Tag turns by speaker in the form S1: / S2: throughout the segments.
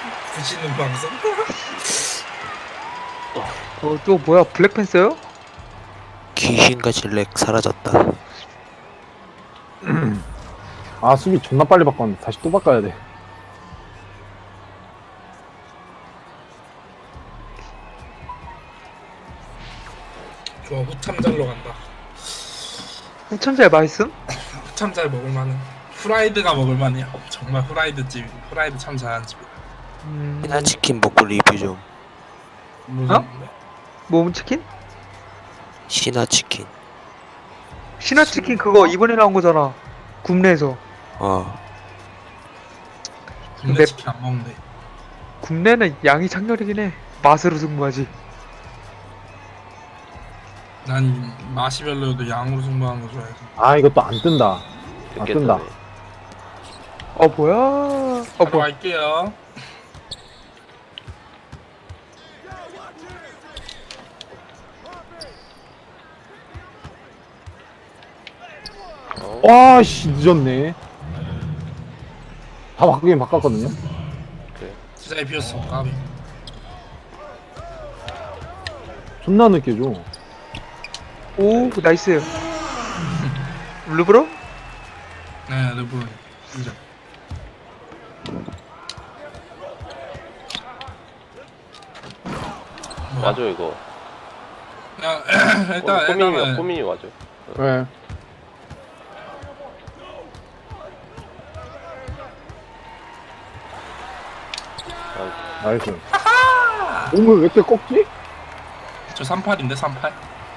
S1: 부시는 방송?
S2: 또 뭐야, 블랙팬서요?
S3: 귀신같이 렉 사라졌다.
S4: 아, 수비 존나 빨리 바꿨는데 다시 또 바꿔야 돼.
S1: 좋아, 후참잘로 간다.
S2: 후천잘 맛있음?
S1: 후참잘 먹을만해. 후라이드가 먹을만해요. 정말 후라이드 집, 후라이드 참 잘하는 집이야.
S3: 신화치킨 먹고 리뷰 좀.
S1: 무슨?
S2: 어? 모음치킨?
S3: 신화치킨.
S2: 신화치킨 그거 이번에 나온 거잖아. 국내에서.
S1: 국내
S2: 맵-
S1: 치킨 안 먹는데.
S2: 국내는 양이 창렬이긴 해. 맛으로 승부하지.
S1: 난 맛이 별로여도 양으로 승부하는 거 좋아해서.
S4: 아, 이것도 안 뜬다. 아, 뜬다.
S2: 뭐야?
S1: 바로
S2: 뭐야?
S1: 갈게요.
S4: 와, 씨, 늦었네. 다 바꾸긴 바꿨거든요.
S1: 진짜 비었어. 까비.
S4: 존나 늦게 줘.
S2: 오, 나이스. 르브로?
S1: 네, 르브론 인정.
S5: 맞아 이거.
S1: 그냥 일단은
S5: 꼬민이 맞아.
S4: 네. 나이스. 몸을 왜 이렇게 꺾지?
S1: 저 38인데 38.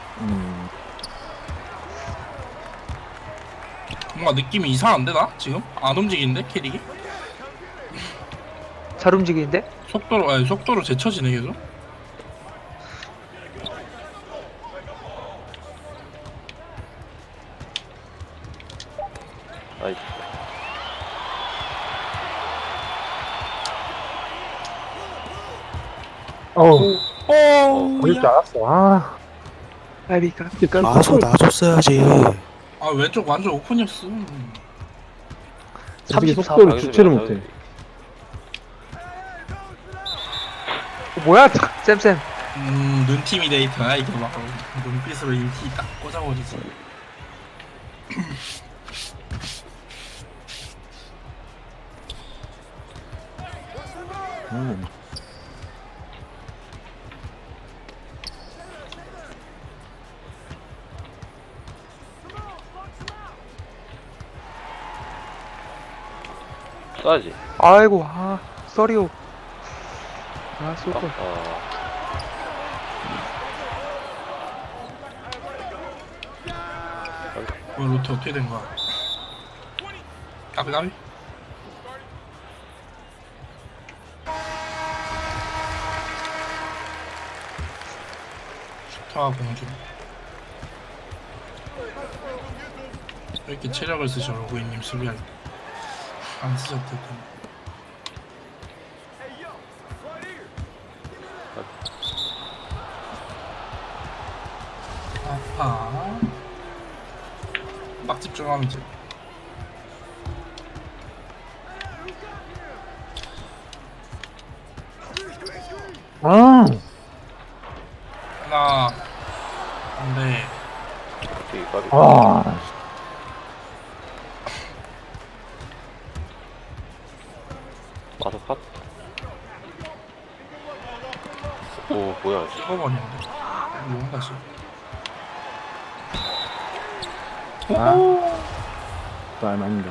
S1: 뭔가 느낌이 이상한데 나 지금 안 움직이는데 캐릭이
S2: 잘 움직이는데?
S1: 속도로 제쳐지네 계속.
S5: 나이스.
S4: 어우,
S1: 오,
S4: 걸릴 줄 알았어. 아,
S2: 아비까.
S3: 아서 놔줬어야지.
S1: 아 왼쪽 완전 오픈이었어.
S4: 어떻게
S2: 34.
S4: 속도를 주체를 못해.
S2: 뭐야, 쌤쌤.
S1: 눈티미데이터야 이게 막 눈빛으로 인티 딱 꽂아버리지.
S4: 음.
S5: 쏴야지.
S2: 아이고, 쏘리오. 쏠걸.
S1: 로테 어떻게 된 거야? 까비. 슈터와 공주. 왜 이렇게 체력을 쓰셔 로그인님 수비할 때. 안 쓰셨을 텐데. 아파. 막 집중하면 돼.
S4: 아,
S1: 하나. 안돼.
S5: 되게 까비.
S4: 아,
S5: 마서 컷. 오 뭐야.
S1: 찍어버리는데. 이거 다시.
S4: 또 알만인데.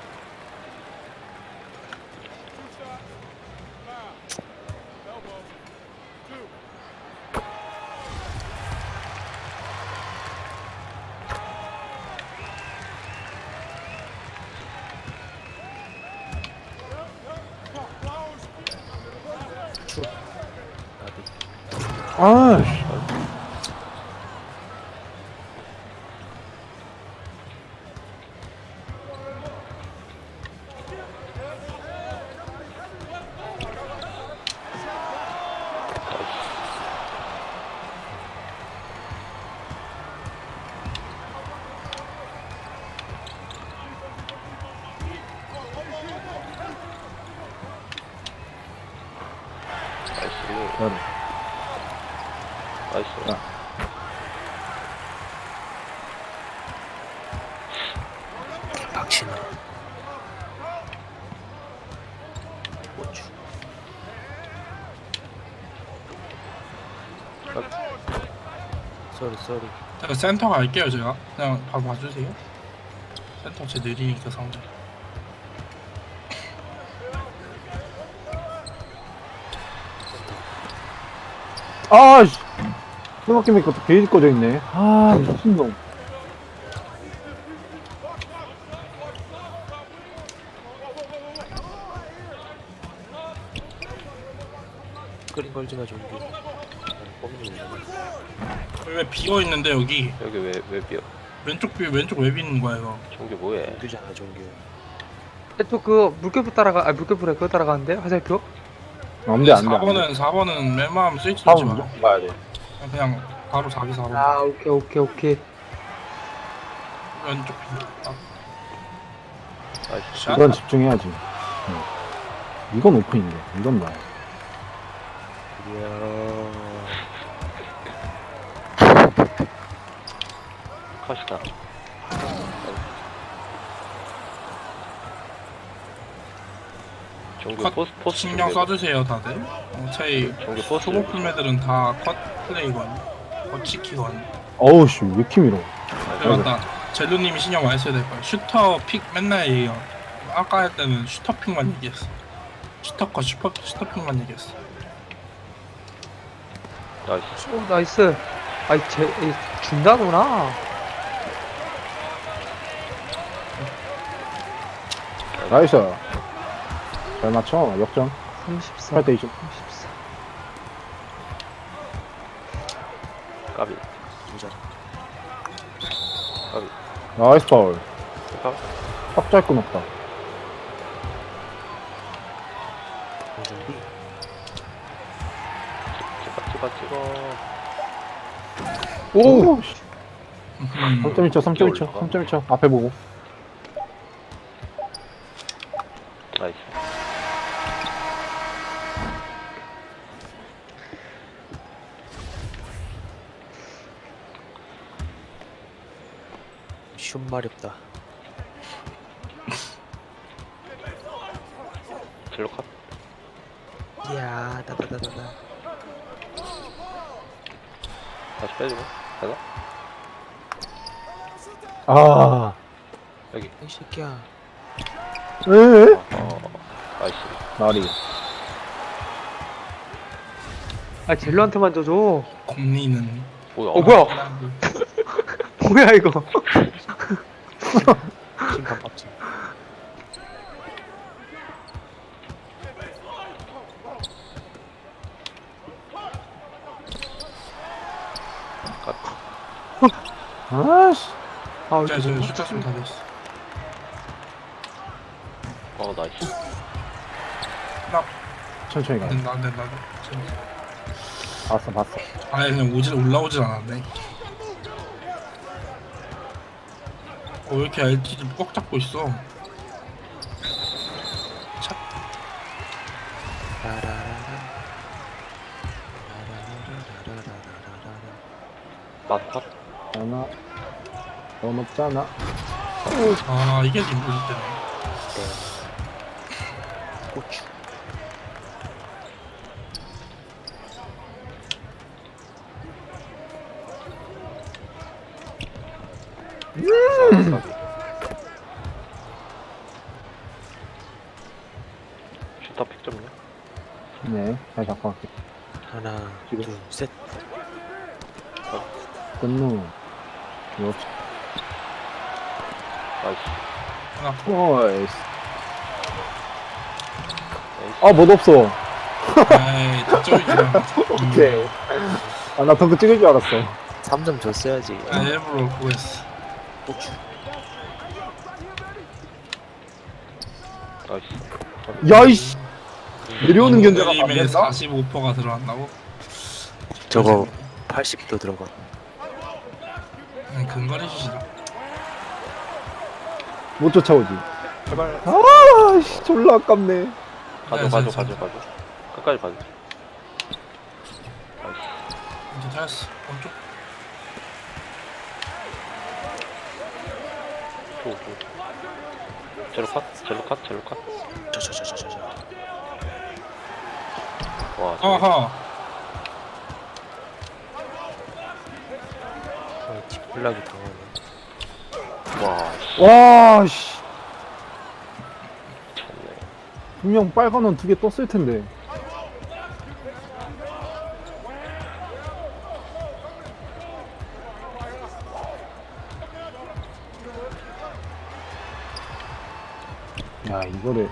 S4: 아, 씨. 그래.
S5: 나이스.
S4: 야.
S3: 박신호. 고추. 쏘리.
S1: 제가 센터 갈게요 제가. 그냥 바로 봐주세요. 센터 제 느리니까 상대.
S4: 아씨. 생각해보니까 또 게이지 꺼져 있네. 아 미친놈.
S3: 끓인 걸지마 좀비. 꼼짝이.
S1: 왜 비어 있는데 여기
S5: 여기 왜 비어?
S1: 왼쪽 왜 비는 거야 이거?
S5: 종규 뭐해?
S3: 종규잖아 종규.
S2: 또 그 물결표 따라가, 아 물결표래 그거 따라가는데 화살표?
S4: 안돼 안돼.
S1: 4번은 웬만하면 스위치 놓지
S4: 다음
S1: 마.
S4: 무조건 가야 돼.
S1: 그냥 바로 자기 4번.
S2: 아 오케이.
S1: 왼쪽 비. 아,
S5: 나이스.
S1: 샷.
S4: 이건 집중해야지. 이건 오픈인데 이건 나야.
S3: 이야.
S5: 컷이다. 종규
S1: 컷
S5: 포스
S1: 신경
S5: 준비해봐.
S1: 써주세요 다들. 저희
S5: 종규 포스
S1: 초보 풀매들은 다 컷 플레이건, 컷 치키건.
S4: 어우씨 왜 이렇게 밀어.
S1: 그래 맞다. 젤루님이 신경 많이 써야 될 거야. 슈터 픽 맨날 얘기해요. 아까 할 때는 슈터 픽만 얘기했어. 슈터 컷 슈터 픽만 얘기했어.
S5: 나이스.
S2: 오 나이스. 아이 준다구나.
S4: 나이스. 잘 맞춰. 역전.
S2: 34.
S4: 8대 20.
S2: 34.
S5: 까비.
S3: 진짜.
S5: 까비.
S4: 나이스 파울.
S5: 까
S4: 빡잘 건 없다.
S3: 종비.
S5: 찍어.
S4: 오.
S1: 음.
S4: 3.1초 3.1초 3.1초 앞에 보고.
S5: 나이스.
S3: 슛 마렵다.
S5: 젤로 컷.
S3: 이야 다다다다다.
S5: 다시 빼주고. 되나?
S4: 아.
S5: 여기.
S3: 이 새끼야.
S4: 에?
S5: 나이스.
S4: 나리.
S2: 아 젤로한테만 줘줘.
S1: 곰니는.
S5: 뭐야?
S2: 뭐야? 뭐야 이거?
S3: 심판 빡치.
S4: 아씨.
S2: 아
S1: 저
S2: 이거
S1: 슈터 좀다 됐어.
S5: 나이스.
S4: 천천히 가.
S1: 안 된다.
S4: 봤어.
S1: 아예 그냥 올라오질 않았네. 왜 이렇게 LTD 꽉 잡고 있어?
S5: 마스 컷.
S4: 하나. 너 높잖아.
S1: 아 이게 림보기 때문에.
S3: 고추.
S5: 까비. 슈터 픽 좀요.
S4: 네. 잘 잡고 갈게.
S3: 하나
S4: 지금.
S3: 둘 셋.
S4: 끝누. 그렇지.
S5: 나이스.
S4: 나이스. 못 없어.
S1: 에이 득점이잖아.
S4: 오케이. 나 덩크 찍을 줄 알았어.
S3: 3점 줬어야지.
S1: 아 일부러 그거 했어.
S3: 고추.
S5: 나이스.
S4: 야이씨. 내려오는 견제가 안
S1: 게임에
S4: 된다?
S1: 45%가 들어간다고?
S3: 저거 80도 들어가.
S1: 근거리 슛이다.
S4: 못 쫓아오지.
S5: 제발.
S4: 아씨 졸라 아깝네.
S5: 가져. 끝까지 가져.
S1: 잘했어. 오른쪽.
S5: 젤로 컷? 젤로 컷? 젤로 컷?
S3: 저저저저저.
S5: 와,
S1: 어허.
S3: 뒷블락이 당하네.
S5: 와, 씨,
S4: 와, 씨.
S5: 미쳤네.
S4: 분명 빨간 원 2개 떴을 텐데. 야, 이거를.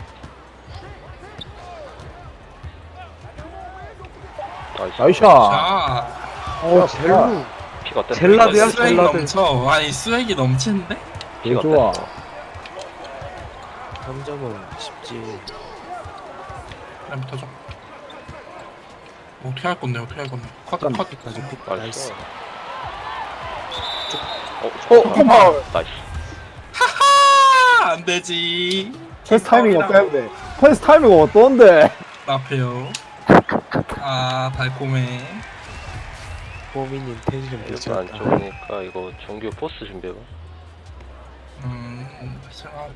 S5: 나이스.
S4: 나이샤.
S1: 자.
S2: 어 젤루
S5: 피가 뗐다.
S2: 젤라드야?
S1: 스웩
S2: 젤라드.
S1: 넘쳐. 아니 스웩이 넘치는데?
S5: 피가
S4: 좋아.
S5: 뗐어.
S3: 3점은 쉽지.
S1: 그럼 터져. 어떻게 할 건데? 어떻게 할 건데? 컷
S4: 잠깐.
S1: 컷.
S3: 픽까지 픽.
S5: 나이스.
S3: 나이스.
S4: 잠깐만.
S5: 나이스.
S1: 하하 안 되지.
S4: 패스 타이밍 어때는데? 패스 타이밍 어떤데?
S1: 앞에요. 아 달콤해.
S3: 호민님 텐션
S5: 이렇게
S3: 미쳤다.
S5: 안 좋으니까 이거 정규 포스 준비해봐.
S1: 생각.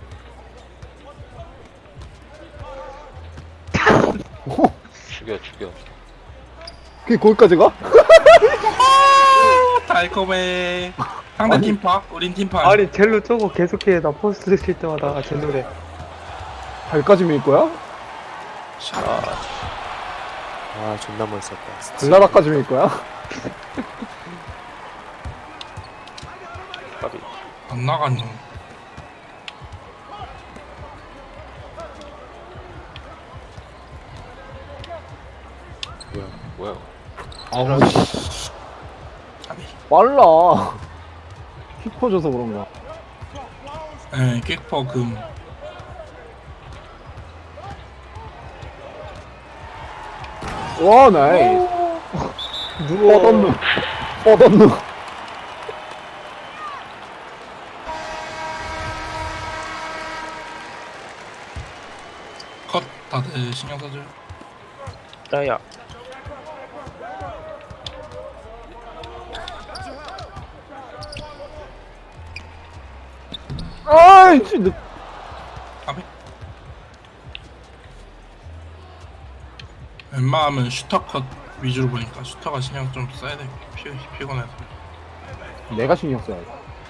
S5: 죽여.
S4: 그게 거기까지 가?
S1: 달콤해. 상대 팀파, 우린 팀파.
S2: 아니 젤루 저거 계속해. 나 포스트 칠 때마다 제 노래.
S4: 발까지 밀 거야?
S3: 아 존나 멋있었다.
S4: 글라다까지 밀 거야?
S5: 까비.
S1: 안 나갔노.
S5: 뭐야?
S4: 아우, 씨.
S1: 아니.
S4: 빨라. 킥 퍼져서 그런가.
S1: 예, 킥퍼 금.
S4: 와, 나이스.
S2: 누워.
S4: 뻗었누. 뻗었누.
S1: 컷 다들 신경 써줘요.
S3: 야야.
S4: 아이씨.
S1: 까비. 웬만하면 슈터 컷 위주로 보니까 슈터가 신경 좀 써야 돼. 피곤해서.
S4: 내가 신경 써야 돼.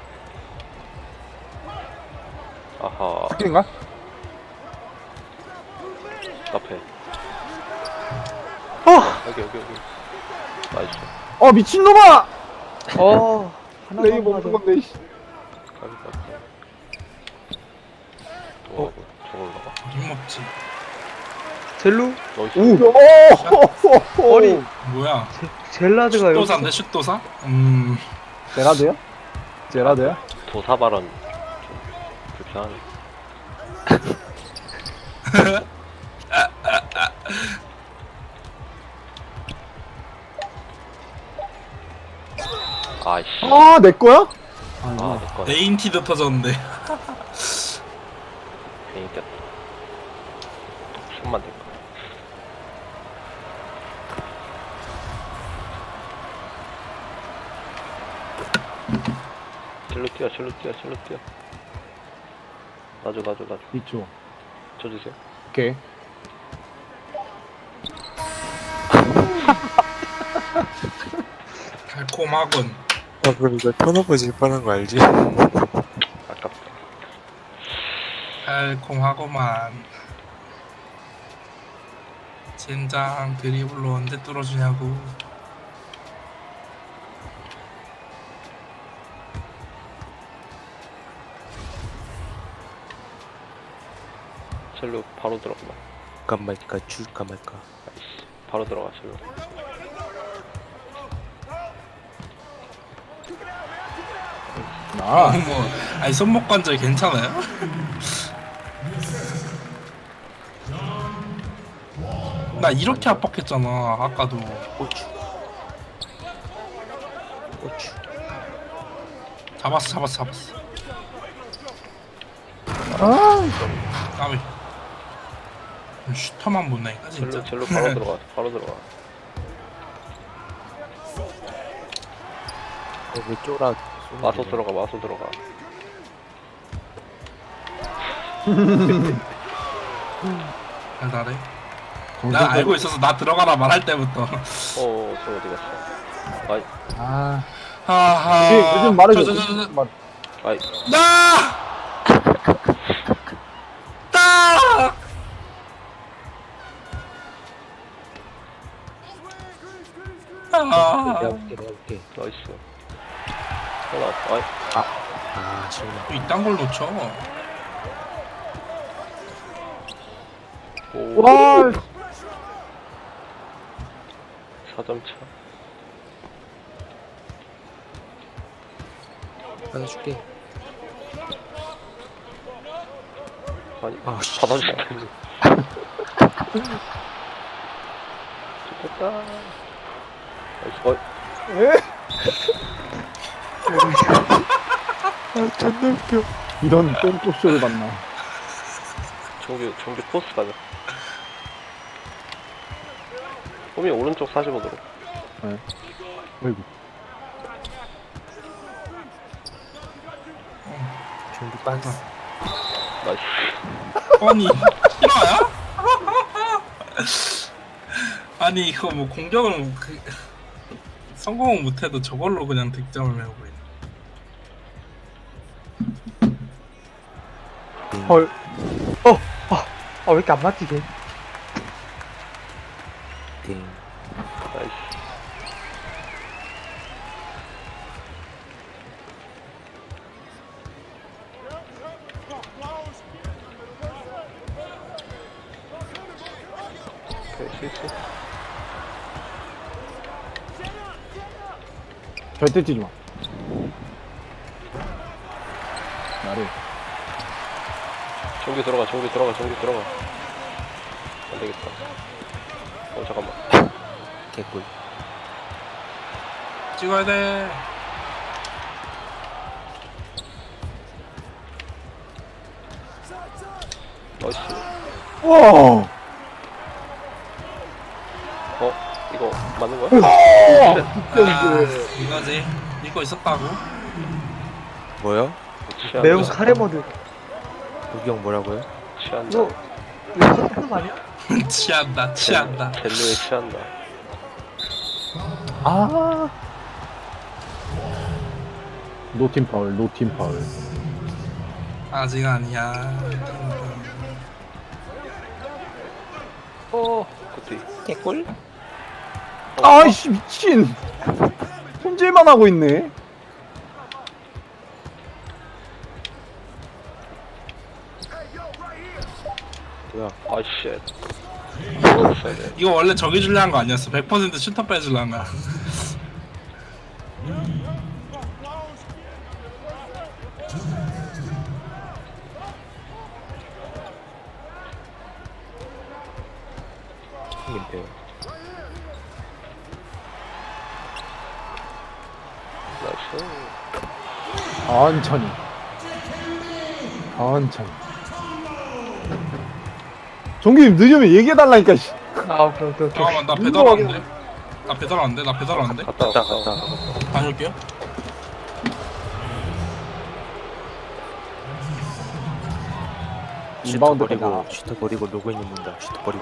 S5: 아하.
S4: 스킬인가?
S5: 앞에. 여기. 나이스.
S4: 미친놈아!
S2: 하나
S4: 레이 먹는 건데, 씨.
S5: 까비. 또 저걸 나가.
S1: 힘먹지.
S2: 젤루?
S5: 나이스.
S4: 오!
S2: 아니
S1: 뭐야?
S2: 젤라드가 여기.
S1: 슛도사인데 슛도사?
S4: 제라드야? 제라드야?
S5: 도사 발언 좀 불편하네. 아이씨.
S4: 내 거야?
S5: 아, 내 거네.
S1: 네인티드 터졌는데.
S5: 괜히 꼈다. 손만 댈 거야. 절로 뛰어. 놔줘.
S4: 있죠.
S5: 쳐주세요.
S4: 오케이.
S1: 달콤하군.
S3: 그럼 이거 턴오버 질 뻔한 거 알지?
S5: 아깝다.
S1: 달콤하고만. 젠장 드리블로 언제 뚫어주냐고.
S5: 절로 바로 들어가.
S3: 줄까 말까 줄까 말까.
S5: 아이씨. 바로 들어가, 절로.
S4: 나.
S1: 아니 손목 관절 괜찮아요? 나 이렇게 압박했잖아 아까도.
S3: 고추.
S1: 잡았어. 까비. 슈터만 못 내니까 진짜.
S5: 절로 바로 들어가.
S3: 왜 쫄아?
S5: 마소 들어가, 마소 들어가.
S1: 달달해. 난 알고 있어서 나 들어가라 말할 때부터.
S5: 저 어디 갔어? 아이,
S4: 아,
S1: 하하.
S4: 요즘 말해줘.
S1: 저.
S4: 말.
S5: 아이,
S1: 나! 나!
S3: 내가
S1: 아,
S3: 볼게, 내가 볼게.
S5: 나이스. 하나, 아이,
S3: 아, 지금
S1: 또 이딴 걸 놓쳐.
S5: 오,
S4: 와,
S5: 4점 차.
S3: 받아줄게.
S5: 아니,
S3: 아, 씨.
S5: 받아줄게. 좋겠다. 나이스, 어이.
S4: 에?
S3: 아, 존나 웃겨.
S4: 이런 똥꼬쇼를 봤나.
S5: 종규 포스 가자. 호미 오른쪽 45도로.
S4: 어이구.
S3: 종기 빤스.
S5: 나이스.
S1: 아니, 실화야? 아니, 이거 뭐 공격을 성공은 못해도 저걸로 그냥 득점을 메우고 있네.
S2: 헐. 왜 이렇게 안 맞지, 걔?
S3: 띵.
S5: 나이스. 오케이, 실수.
S4: 절대 뛰지 마. 나를.
S5: 종규 들어가. 안 되겠다. 잠깐만.
S3: 개꿀.
S1: 찍어야 돼.
S5: 나이스.
S4: 와!
S5: 이거 맞는 거야?
S1: 아, 이거지. 이거 있었다고?
S3: 뭐야?
S5: 취한다.
S2: 매운 카레 모드.
S3: 우기 형 뭐라고요?
S5: 취한다.
S2: 이거 하는 거 아니야?
S1: 취한다.
S5: 젤로에 취한다.
S4: 아. 노팀 파울, 노팀 파울.
S1: 아직 아니야.
S5: 굿디.
S3: 개꿀?
S4: 아이씨, 미친! 손질만 하고 있네.
S3: 뭐야?
S5: 아이씨. 있어야 돼.
S1: 이거 원래 저기 줄려 한 거 아니었어. 100% 슈터 빼줄려 한 거야.
S3: 민폐.
S5: 나이스.
S4: 천천히. 천천히. 종규님 늦으면 얘기해달라니까, 씨.
S2: 오케이.
S1: 잠깐만, 나 배달 안 돼. 나 배달 안 돼.
S5: 갔다
S3: 갔다.
S1: 다녀올게요.
S3: 슈터
S4: 리바운드
S3: 버리고,
S4: 가자.
S3: 슈터 버리고 로그인 입는다. 슈터 버리고.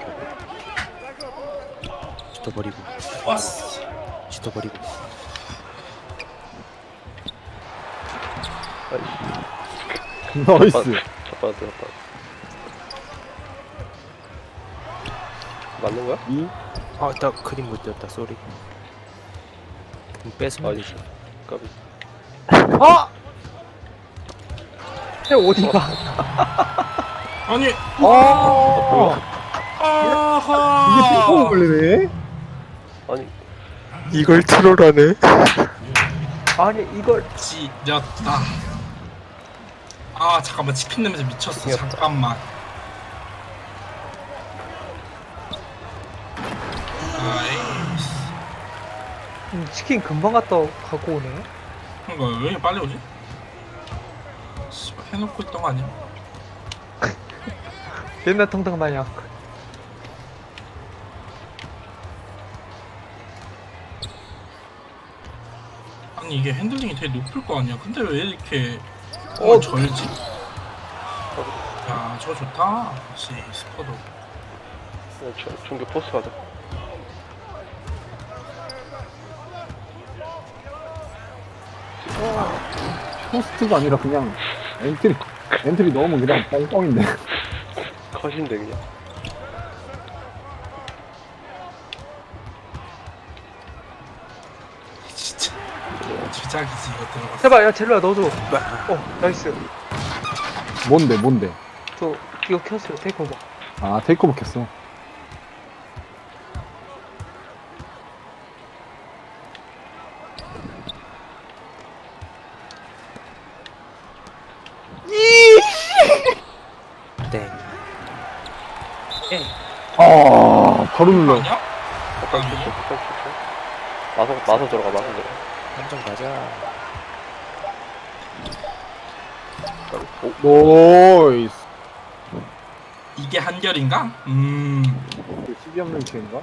S3: 슈터 버리고.
S1: 왔어.
S3: 슈터 버리고.
S5: 나이스.
S4: 나이스.
S5: 잡았다. 맞는 거야?
S3: 아, 나 크림 못 띄었다. 쏘리. 뺏으면
S5: 나이스.
S3: 되지.
S5: 까비.
S4: 아!
S2: 쟤 어디가?
S1: 아니,
S4: 아! 이게 핑퐁
S1: 아하.
S4: 걸리네?
S5: 아니,
S3: 이걸 트롤하네?
S2: 아니, 이걸.
S1: 찢었다. 아, 잠깐만. 치킨 냄새 미쳤어.
S5: 치킨이었다.
S1: 잠깐만. 아이씨.
S2: 치킨 금방 갖고 오네.
S1: 이거 왜 이렇게 빨리 오지? 씨발, 해놓고 있던 거 아니야?
S2: 옛날 통닭 마냥.
S1: 아니 이게 핸들링이 되게 높을 거 아니야. 근데 왜 이렇게
S2: 어.
S1: 절지? 야 저거 좋다. 역시 스퍼도.
S5: 중계 포스 가자.
S4: 포스트가 아니라 그냥 엔트리 넣으면 그냥 뻥뻥인데.
S5: 컷인데 그냥.
S1: 진짜 주작이지 이거 들어갔어.
S2: 제발 야 젤로야 넣어줘. 나이스.
S4: 뭔데?
S2: 저 이거 켰어요. 테이크오버.
S4: 아, 테이크오버 켰어.
S3: 땡.
S4: 아, 바로 눌러.
S1: 아니야?
S5: 폭탄
S1: 아니야?
S5: 쳤어. 폭탄 쳤어. 마서 들어가. 마서 들어가.
S3: 한점 가자.
S4: 노이스.
S1: 이게 한결인가?
S4: 12 없는 키인가?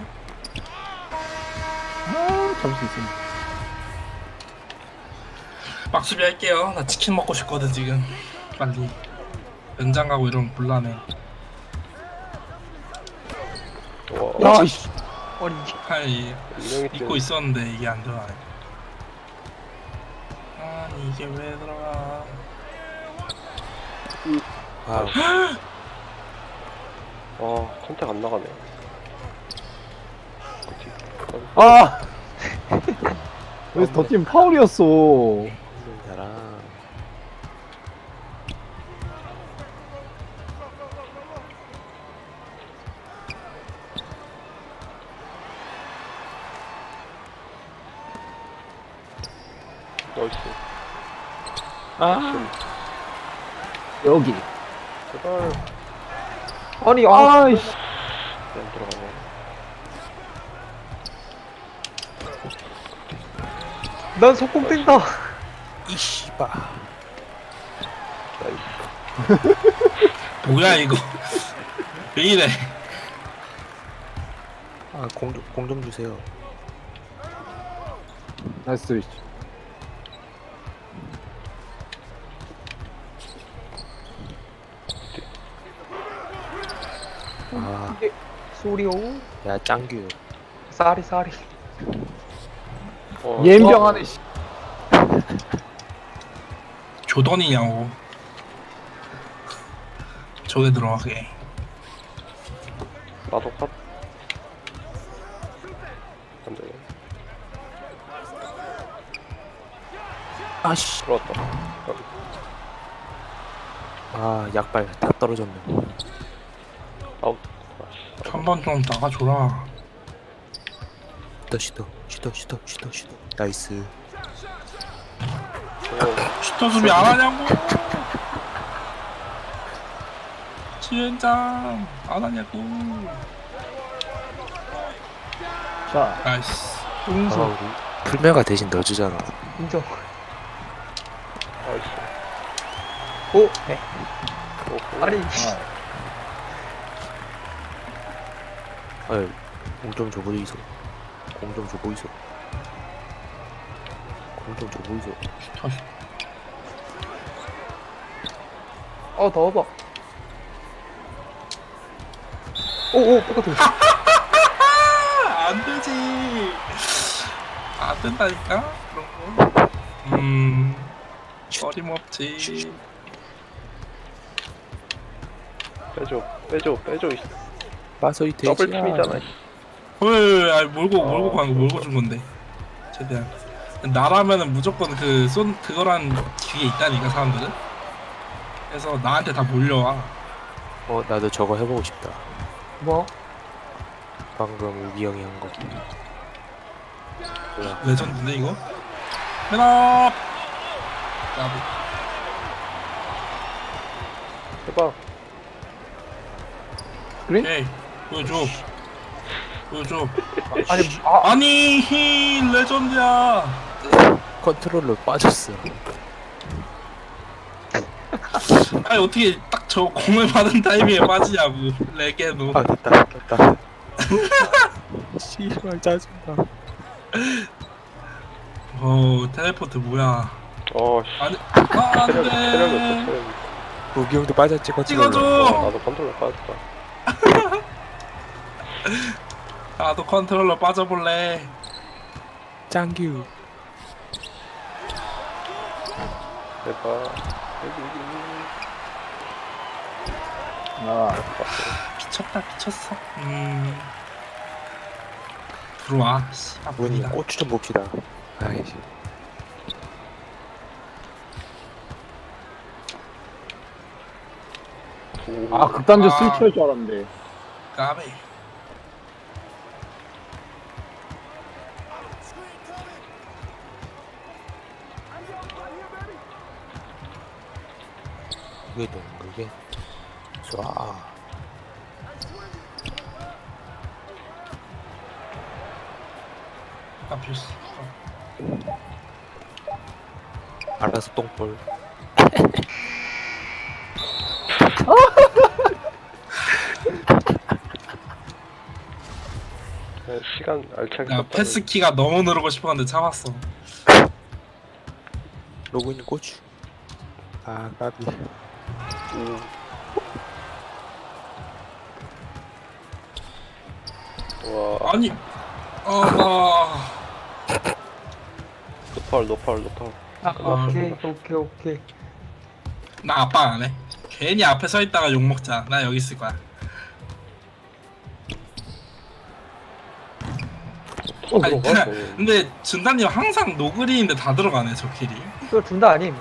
S4: 아, 잡을 수 있습니다.
S1: 막수비 할게요. 나 치킨 먹고 싶거든 지금. 빨리. 연장 가고 이러면 곤란해.
S5: 와.
S4: 야, 씨.
S2: 아니
S1: 하이
S5: 인형이
S1: 잊고 있었는데 이게 안 들어가네. 아니 이게 왜 들어가?
S3: 와우.
S5: 컨택 안 나가네. 그치.
S4: 아! 여기서 더 뛰면 파울이었어.
S3: 사람.
S5: 나이스.
S3: 아.
S4: 여기.
S5: 제발.
S2: 아니
S4: 아이씨.
S5: 안 들어가네.
S2: 난 속공 뛴다.
S3: 이씨바.
S5: 나이스.
S1: 뭐야 이거? 왜 이래?
S3: 아, 공 좀 주세요.
S4: 나이스 스위치.
S3: 아,
S2: 소리오.
S3: 야, 짱규.
S2: 쌀이.
S4: 예병하네, 씨.
S1: 조던이냐고. 저게 들어가게.
S5: 나도 컷. 안 되네.
S3: 아씨.
S5: 들어왔다.
S3: 아, 약발 다 떨어졌네.
S5: 아웃.
S1: 한 번 좀 나가줘라.
S3: 슈터. 나이스.
S1: 슈터 수비 안 하냐고. 지현장 안 하냐고.
S4: 자,
S1: 나이스.
S3: 아,
S2: 용서.
S3: 우리 풀메가 대신 넣어주잖아.
S2: 인정.
S5: 나이스.
S2: 오.
S5: 오호.
S2: 아니
S3: 아유, 공좀 줘보이소.
S1: 슈터 슈터.
S2: 넣어봐. 오오 똑같아.
S1: 안 되지. 안 된다니까 그런 거. 어림없지.
S5: 빼줘.
S3: 빠서 이 돼지야.
S5: 더블 팀이잖아.
S1: 왜? 아니 몰고 가는 거 몰고 준 건데. 최대한. 나라면은 무조건 그거란 기계 있다니까 사람들은. 그래서 나한테 다 몰려와.
S3: 나도 저거 해보고 싶다.
S2: 뭐?
S3: 방금 우기 형이 한 거. 뭐야?
S1: 레전드인데 이거? 맨업. 나도.
S5: 해봐.
S1: 오케이. 보여줘.
S2: 아니
S1: 아니 레전드야.
S3: 컨트롤러 빠졌어.
S1: 아니 어떻게 딱 저 공을 받은 타이밍에 빠지냐고. 레게도.
S3: 아, 됐다. 씨발 짜증나.
S1: 텔레포트 뭐야?
S5: 어씨
S1: 아니,
S5: 체력이 없어
S1: 안돼.
S5: 체력이.
S3: 우기 형도 빠졌지 컨트롤러.
S1: 찍어줘.
S5: 나도 컨트롤러 빠졌다.
S1: 나도 컨트롤러 빠져볼래.
S3: 짱규.
S5: 제발 여기
S4: 아,
S1: 미쳤다, 미쳤어. 들어와. 씨, 아,
S3: 문이
S1: 문이다.
S3: 고추 좀 봅시다. 아이씨.
S4: 아 극단적
S1: 아.
S4: 스위치할 줄 알았는데.
S1: 까베.
S3: 그게 그게. 쏴.
S1: 아, 필수.
S3: 알아서 똥볼.
S5: 그냥 시간 알차게
S1: 야,
S5: 썼다.
S1: 패스키가 너무 누르고 싶었는데 참았어.
S3: 로그인 고추. 아 까비.
S5: 와
S1: 아니, 아,
S5: 노팔 노팔 노팔.
S2: 아, 오케이.
S1: 나 아빠 안 해. 괜히 앞에 서 있다가 욕 먹자. 나 여기 있을 거야. 아니,
S5: 들어가.
S1: 근데 준다님 항상 노그리인데 다 들어가네 저 킬이.
S2: 그거 준다 아님?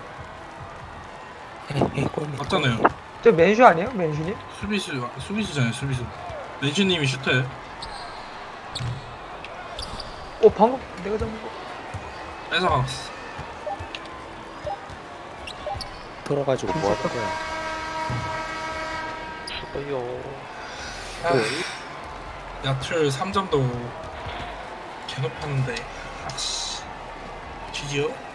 S3: 헤헤 골.
S1: 맞잖아요.
S2: 저 맨슈 아니에요? 맨슈님?
S1: 수비수잖아요 수비수. 레주님이 슈터예요.
S2: 방금 내가 잡은 거.
S1: 뺏어갔어.
S3: 돌아가지고 뭐 하는 거야?
S5: 죽어요.
S1: 야툴 3점도 개높았는데 아씨. GG요?